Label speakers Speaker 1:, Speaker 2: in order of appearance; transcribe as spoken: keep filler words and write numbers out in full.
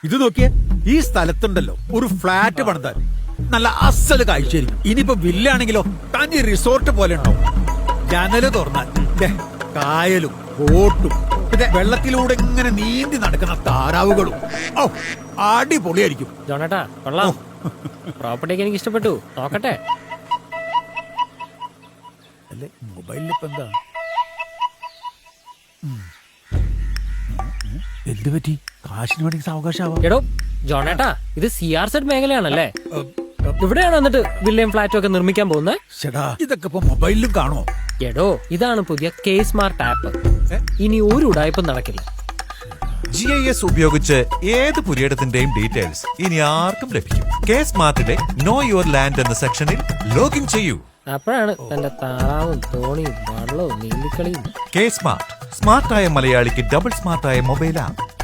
Speaker 1: ഇത് നോക്കിയേ, ഈ സ്ഥലത്തുണ്ടല്ലോ ഒരു ഫ്ലാറ്റ് പണിതാൽ നല്ല അസല് കാഴ്ചയായിരിക്കും. ഇനിയിപ്പോ വില്ലാണെങ്കിലോ തനി റിസോർട്ട് പോലെ ഉണ്ടാവും. ജനല് തുറന്നാൽ ദേ കായലും ബോട്ടും പിന്നെ വെള്ളത്തിലൂടെ ഇങ്ങനെ നീന്തി നടക്കുന്ന താറാവുകളും. ഓ അടിപൊളിയായിരിക്കും.
Speaker 2: ജോണേട്ടാ കൊള്ളാം. പ്രോപ്പർട്ടിയൊക്കെ എനിക്ക് ഇഷ്ടപ്പെട്ടു. നോക്കട്ടെ.
Speaker 1: അല്ലേ മൊബൈലിൽ ഇപ്പൊ എന്താ എന്ത് പറ്റി? കാശിന് വേണ്ടി സാവകാശാവാം.
Speaker 2: എടോ ജോണേട്ടാ, ഇത് സി ആർ സെഡ് മേഖലയാണല്ലേ? ഇവിടെയാണ് എന്നിട്ട് വില്ലയും ഫ്ലാറ്റും ഒക്കെ നിർമ്മിക്കാൻ പോകുന്നത്?
Speaker 1: ചേട്ടാ ഇതൊക്കെ ഇപ്പൊ മൊബൈലിലും കാണോ?
Speaker 2: എടോ ഇതാണ് പുതിയ കെ സ്മാർട്ട് ആപ്പ്. ഇനി ഒരു ഉടായ്പും നടക്കില്ല.
Speaker 3: ജി ഐ എസ് ഉപയോഗിച്ച് ഏത് പുരയിടത്തിന്റെയും ഡീറ്റെയിൽസ് ഇനി ആർക്കും ലഭിക്കും. കെ സ്മാർട്ടിലെ നോ യുവർ ലാൻഡ് എന്ന സെക്ഷനിൽ ലോഗിൻ ചെയ്യൂ.
Speaker 2: അപ്പോഴാണ് തന്റെ താറാവും തോണിയും വള്ളവും നീന്തിക്കളിയും.
Speaker 3: കെ സ്മാർട്ട്, സ്മാർട്ടായ മലയാളിക്ക് ഡബിൾ സ്മാർട്ടായ മൊബൈൽ ആപ്പ്.